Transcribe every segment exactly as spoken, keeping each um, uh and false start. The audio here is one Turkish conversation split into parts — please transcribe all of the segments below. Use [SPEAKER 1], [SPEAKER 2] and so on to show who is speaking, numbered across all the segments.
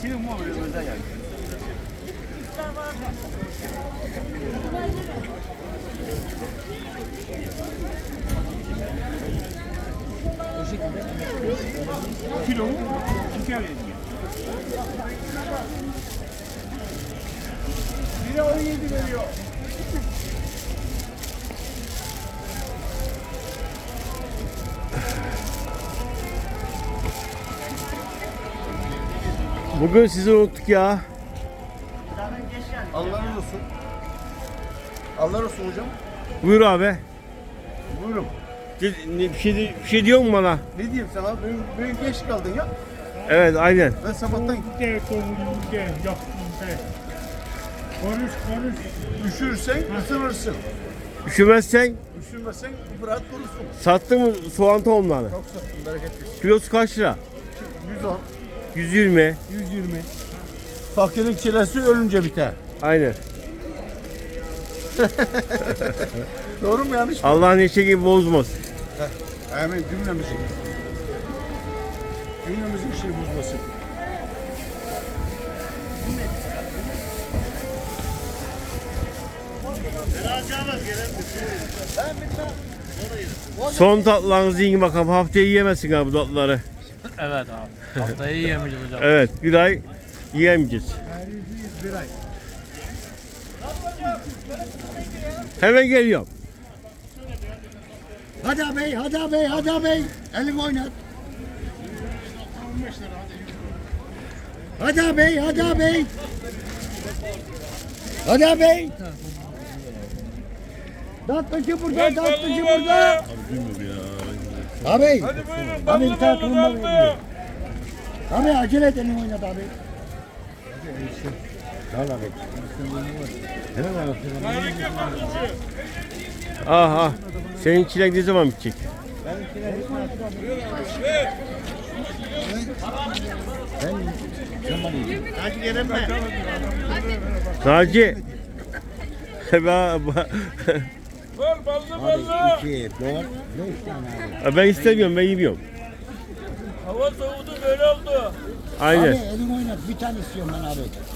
[SPEAKER 1] Şimdi mu böyle özel yani. Kilo mu? İki araya diyor. Biri on yedi veriyor.
[SPEAKER 2] Bugün sizi unuttuk ya.
[SPEAKER 1] Allah razı olsun. Allah razı olsun hocam.
[SPEAKER 2] Buyur abi.
[SPEAKER 1] Buyurun.
[SPEAKER 2] Bir şey, bir şey diyor mu bana?
[SPEAKER 1] Ne diyeyim sana? Bugün, bugün geç kaldın ya.
[SPEAKER 2] Evet, aynen.
[SPEAKER 1] Ben sabahtan
[SPEAKER 3] Gel konuşun gel yaptın sen. Konuş konuş.
[SPEAKER 1] üşürsen ısınırsın.
[SPEAKER 2] Üşümezsen
[SPEAKER 1] Üşümezsen rahat durursun.
[SPEAKER 2] sattın mı soğan tohumlarını?
[SPEAKER 1] Çok sattım, bereketli.
[SPEAKER 2] Kilosu kaç lira?
[SPEAKER 1] yüz on,
[SPEAKER 2] yüz yirmi.
[SPEAKER 1] yüz yirmi. Fakirin çilesi ölünce biter.
[SPEAKER 2] Aynen.
[SPEAKER 1] Doğru mu yanlış mı?
[SPEAKER 2] Allah neşe gibi bozmaz.
[SPEAKER 1] Amin cümlemizin. Cümlemizin bir şey bozmasın.
[SPEAKER 2] Son tatlılarınızı yiyin bakalım. Haftaya yiyemezsin abi bu tatlıları.
[SPEAKER 3] Evet abi. Haftayı yiyemeyeceğiz hocam.
[SPEAKER 2] Evet, bir ay yiyemeyeceğiz.
[SPEAKER 1] Bir ay.
[SPEAKER 2] Hemen geliyorum.
[SPEAKER 1] Hadi ağabey, hadi ağabey, hadi ağabey. Elini oynat. Hadi ağabey, hadi ağabey. Hadi ağabey. Tatlıcı burada, tatlıcı burada. Ağabey. Abi bir tane tulumba veriyor. Abi acele et, elini oynat abi.
[SPEAKER 2] Aha. Senin çilek ne zaman bitecek?
[SPEAKER 1] Hadi gelin mi?
[SPEAKER 2] Naci. Ben,
[SPEAKER 1] İki, dört, beş tane.
[SPEAKER 2] ben istemiyorum, ben yemiyorum.
[SPEAKER 3] Hava soğudu böyle oldu.
[SPEAKER 2] Aynen.
[SPEAKER 1] Abi elini oynat, bir tane istiyorum ben abi.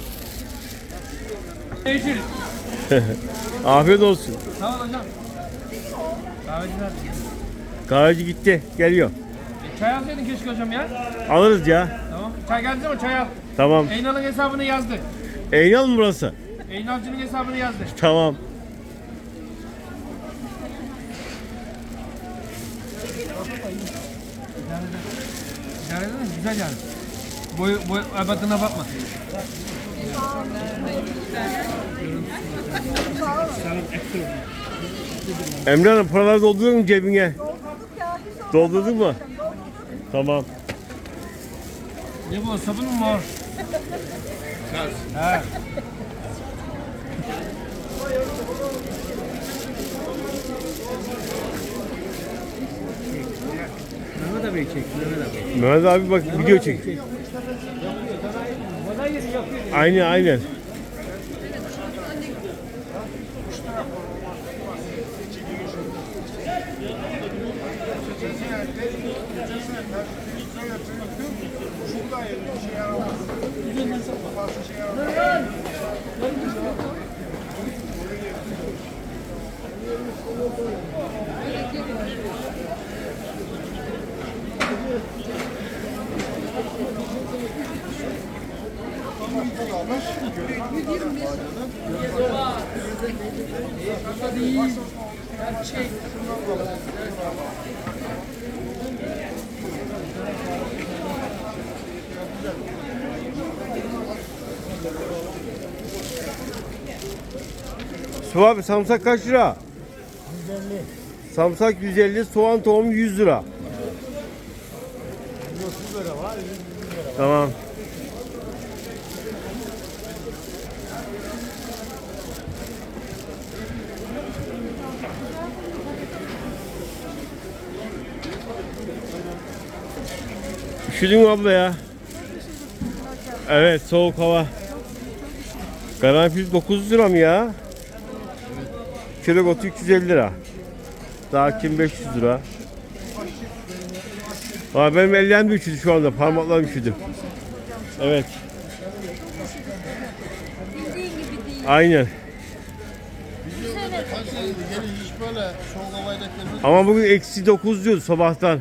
[SPEAKER 3] Yeşil.
[SPEAKER 2] Afiyet olsun.
[SPEAKER 3] Sağ ol hocam. Kahveciler.
[SPEAKER 2] Kahveci gitti, geliyor.
[SPEAKER 3] E, çay alsaydın keşke hocam ya.
[SPEAKER 2] Alırız ya.
[SPEAKER 3] Tamam. Çay geldi ama çay al.
[SPEAKER 2] Tamam.
[SPEAKER 3] Eynal'ın hesabını yazdık.
[SPEAKER 2] Eynal mı burası?
[SPEAKER 3] Eynalcının hesabını yazdık.
[SPEAKER 2] Tamam.
[SPEAKER 3] İdare edin mi? Güzel yani. Boy, boy abatına bakma.
[SPEAKER 2] Emre Hanım, paraları doldurdun mu cebine? Doldurdun mu? Tamam.
[SPEAKER 3] Ne bu? Sabun mu var? He. Mehmet abi çek. Mehmet abi.
[SPEAKER 2] Mehmet abi bak video çek. Aynen aynen. Su abi, samsak kaç lira?
[SPEAKER 1] yüz elli.
[SPEAKER 2] Samsak yüz elli, soğan tohumu yüz lira.
[SPEAKER 1] otuz lira var, yüz lira var.
[SPEAKER 2] Tamam. Üşüdün mü abla ya? Evet, soğuk hava. Karanfil dokuz lira mı ya? Kilogotu üç yüz elli lira. Daha kim beş yüz lira. Aa, benim ellerim üşüdü şu anda. Parmaklarım üşüdü. Evet. Aynen.
[SPEAKER 4] Yeni hiç böyle soğuk havayla gelmedi.
[SPEAKER 2] Ama bugün eksi dokuz diyordu sabahtan.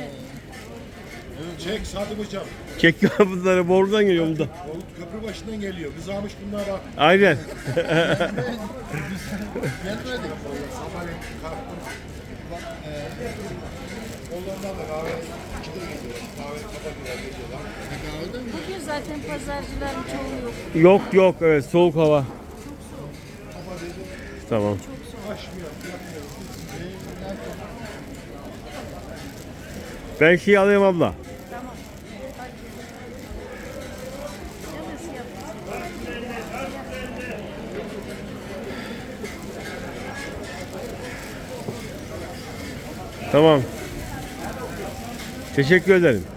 [SPEAKER 1] Çek Sadık hocam.
[SPEAKER 2] Çekiyor bunları bordan geliyor bunda.
[SPEAKER 1] Oğlum köprü başından geliyor. Biz almış bunlar bak.
[SPEAKER 2] Aynen.
[SPEAKER 4] Gelmedik.
[SPEAKER 1] Sabahleyin kalktım. Bak eee Hollanda'da kahve ikide geliyor. Kahve kapatıyorlar geliyorlar.
[SPEAKER 4] Kahvede mi?
[SPEAKER 5] Bugün zaten pazarcıların çoğu yok.
[SPEAKER 2] Yok yok evet soğuk hava. Tamam. Ben şey alayım abla. Tamam. Teşekkür ederim.